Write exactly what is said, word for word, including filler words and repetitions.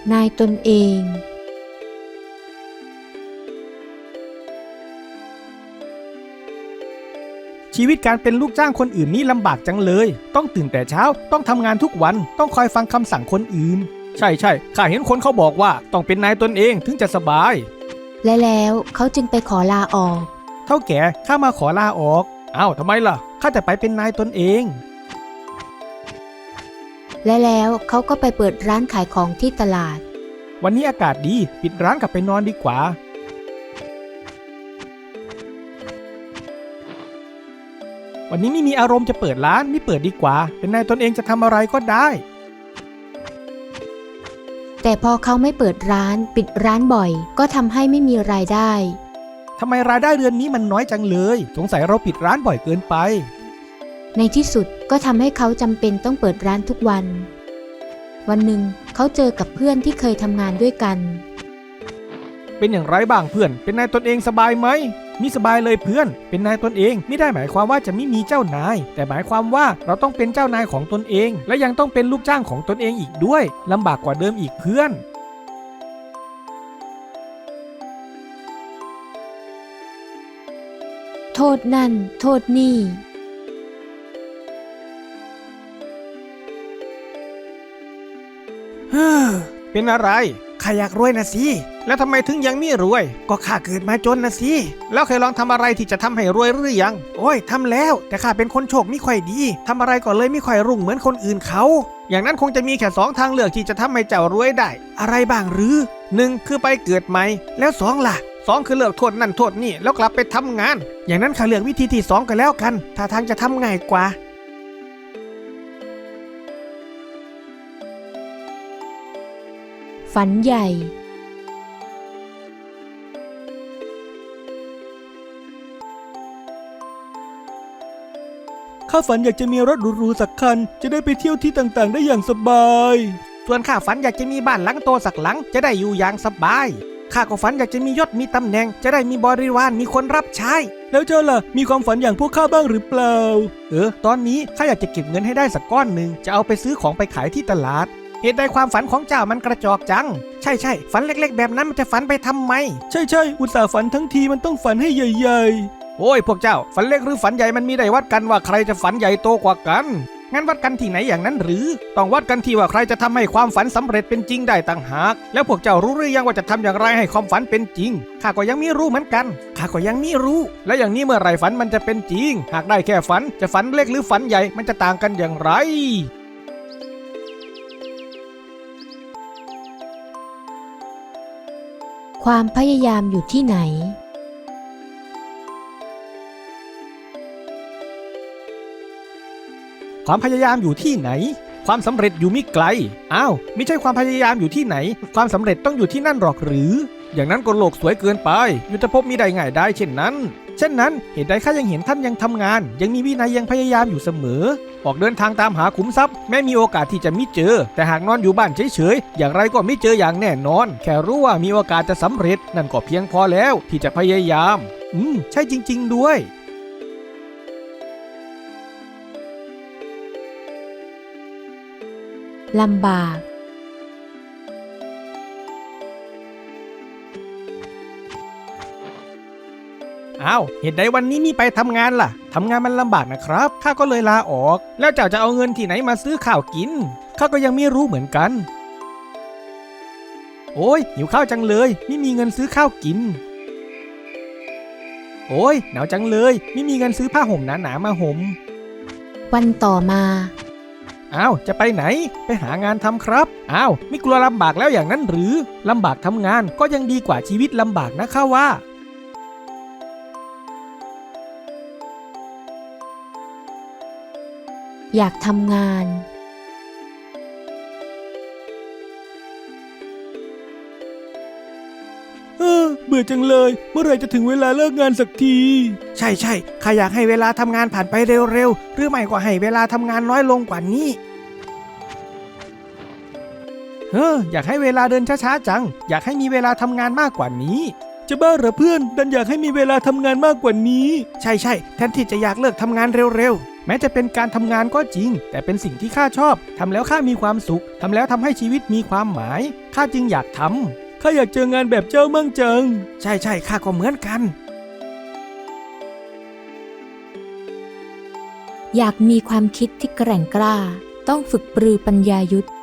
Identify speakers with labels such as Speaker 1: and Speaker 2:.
Speaker 1: นายตนเอง
Speaker 2: ชีวิตการเป็นลูกจ้างคนอื่นนี่ลำบากจังเลยต้องตื่นแต่เช้าต้องทำงานทุกวันต้องคอยฟังคำสั่งคนอื่นใช่ใช่ข้าเห็นคนเขาบอกว่าต้องเป็นนายตนเองถึงจะสบาย
Speaker 1: และแล้วเขาจึงไปขอลาออก
Speaker 2: เท่าแก่ข้ามาขอลาออกอ้าวทำไมล่ะข้าจะไปเป็นนายตนเอง
Speaker 1: และแล้วเขาก็ไปเปิดร้านขายของที่ตลาด
Speaker 2: วันนี้อากาศดีปิดร้านกลับไปนอนดีกว่าวันนี้ไม่มีอารมณ์จะเปิดร้านไม่เปิดดีกว่าเป็นนายตนเองจะทำอะไรก็ได้
Speaker 1: แต่พอเขาไม่เปิดร้านปิดร้านบ่อยก็ทำให้ไม่มีรายได้
Speaker 2: ทำไมรายได้เดือนนี้มันน้อยจังเลยสงสัยเราปิดร้านบ่อยเกินไป
Speaker 1: ในที่สุดก็ทำให้เขาจำเป็นต้องเปิดร้านทุกวันวันหนึ่งเขาเจอกับเพื่อนที่เคยทำงานด้วยกัน
Speaker 2: เป็นอย่างไรบ้างเพื่อนเป็นนายตนเองสบายไหมมิสบายเลยเพื่อนเป็นนายตนเองไม่ได้หมายความว่าจะไม่มีเจ้านายแต่หมายความว่าเราต้องเป็นเจ้านายของตนเองและยังต้องเป็นลูกจ้างของตนเองอีกด้วยลำบากกว่าเดิมอีกเพื่อน
Speaker 1: โทษนั่นโทษนี่
Speaker 2: เฮ้อเป็นอะไรข้าอยากรวยนะสิแล้วทำไมถึงยังไม่รวยก็ข้าเกิดมาจนนะสิแล้วเคยลองทำอะไรที่จะทำให้รวยหรือยังโอ้ยทำแล้วแต่ข้าเป็นคนโชคไม่ค่อยดีทำอะไรก็เลยไม่ค่อยรุ่งเหมือนคนอื่นเขาอย่างนั้นคงจะมีแค่สองทางเลือกที่จะทำให้เจ้ารวยได้อะไรบ้างหรือหนึ่งคือไปเกิดใหม่แล้วสองล่ะสองคือเลิกโทษนั่นโทษนี่แล้วกลับไปทำงานอย่างนั้นข้าเลือกวิธีที่สองกันแล้วกันถ้าทางจะทำง่ายกว่า
Speaker 1: ฝันใหญ่
Speaker 2: ข้าฝันอยากจะมีรถหรูๆสักคันจะได้ไปเที่ยวที่ต่างๆได้อย่างสบายส่วนข้าฝันอยากจะมีบ้านหลังโตสักหลังจะได้อยู่อย่างสบายข้าก็ฝันอยากจะมียศมีตำแหน่งจะได้มีบริวารมีคนรับใช้แล้วเจ้าล่ะมีความฝันอย่างพวกข้าบ้างหรือเปล่าเออตอนนี้ข้าอยากจะเก็บเงินให้ได้สักก้อนหนึ่งจะเอาไปซื้อของไปขายที่ตลาดเหตุใดความฝันของเจ้ามันกระจอกจังใช่ใช่ฝันเล็กๆแบบนั้นมันจะฝันไปทำไมใช่ใช่อุตส่าห์ฝันทั้งทีมันต้องฝันให้ใหญ่ๆโอ้ยพวกเจ้าฝันเล็กหรือฝันใหญ่มันมีได้วัดกันว่าใครจะฝันใหญ่โตกว่ากันงั้นวัดกันที่ไหนอย่างนั้นหรือต้องวัดกันที่ว่าใครจะทำให้ความฝันสำเร็จเป็นจริงได้ต่างหากแล้วพวกเจ้ารู้หรือยังว่าจะทำอย่างไรให้ความฝันเป็นจริงข้าก็ยังไม่รู้เหมือนกันข้าก็ยังไม่รู้และอย่างนี้เมื่อไหร่ฝันมันจะเป็นจริงหากได้แค่ฝันจะฝันเล็กหรือฝันใหญ่มันจะต่างกันอย่างไร
Speaker 1: ความพยายามอยู่ที่ไหน
Speaker 2: ความพยายามอยู่ที่ไหนความสำเร็จอยู่มิไกลอ้าวไม่ใช่ความพยายามอยู่ที่ไหนความสำเร็จต้องอยู่ที่นั่นหรอกหรืออย่างนั้นก็โลกสวยเกินไปยุทธภพมีได้ง่ายได้เช่นนั้นเช่นนั้นเหตุใดข้ายังเห็นท่านยังทำงานยังมีวินัยยังพยายามอยู่เสมอออกเดินทางตามหาขุมทรัพย์แม้มีโอกาสที่จะไม่เจอแต่หากนอนอยู่บ้านเฉยๆอย่างไรก็ไม่เจออย่างแน่นอนแค่รู้ว่ามีโอกาสจะสำเร็จนั่นก็เพียงพอแล้วที่จะพยายามอืมใช่จริงๆด้วย
Speaker 1: ลำบาก
Speaker 2: อ้าวเหตุใดวันนี้มีไปทำงานล่ะทำงานมันลำบากนะครับข้าก็เลยลาออกแล้วเจ้าจะเอาเงินที่ไหนมาซื้อข้าวกินข้าก็ยังไม่รู้เหมือนกันโอ้ยหิวข้าวจังเลยไม่มีเงินซื้อข้าวกินโอ้ยหนาวจังเลยไม่มีเงินซื้อผ้าห่มหนาๆมาห่ม
Speaker 1: วันต่อมา
Speaker 2: อ้าวจะไปไหนไปหางานทำครับอ้าวไม่กลัวลำบากแล้วอย่างนั้นหรือลำบากทำงานก็ยังดีกว่าชีวิตลำบากนะข้าว่า
Speaker 1: อยากทำงาน
Speaker 2: เออเบื่อจังเลยเมื่อไหร่จะถึงเวลาเลิกงานสักทีใช่ใช่ข้าอยากให้เวลาทำงานผ่านไปเร็วๆหรือไม่ก็ให้เวลาทำงานน้อยลงกว่านี้เอออยากให้เวลาเดินช้าๆจังอยากให้มีเวลาทำงานมากกว่านี้
Speaker 3: จะบ้าเหรอเพื่อนดันอยากให้มีเวลาทำงานมากกว่านี้
Speaker 2: ใช่ใช่แทนที่จะอยากเลิกทำงานเร็วๆแม้จะเป็นการทำงานก็จริงแต่เป็นสิ่งที่ข้าชอบทำแล้วข้ามีความสุขทำแล้วทำให้ชีวิตมีความหมายข้าจึงอยากทำ
Speaker 3: ข้าอยากเจองานแบบเจ้ามั่งจัง
Speaker 2: ใช่ใช่ข้าก็เหมือนกัน
Speaker 1: อยากมีความคิดที่แกร่งกล้าต้องฝึกปรือปัญญายุทธ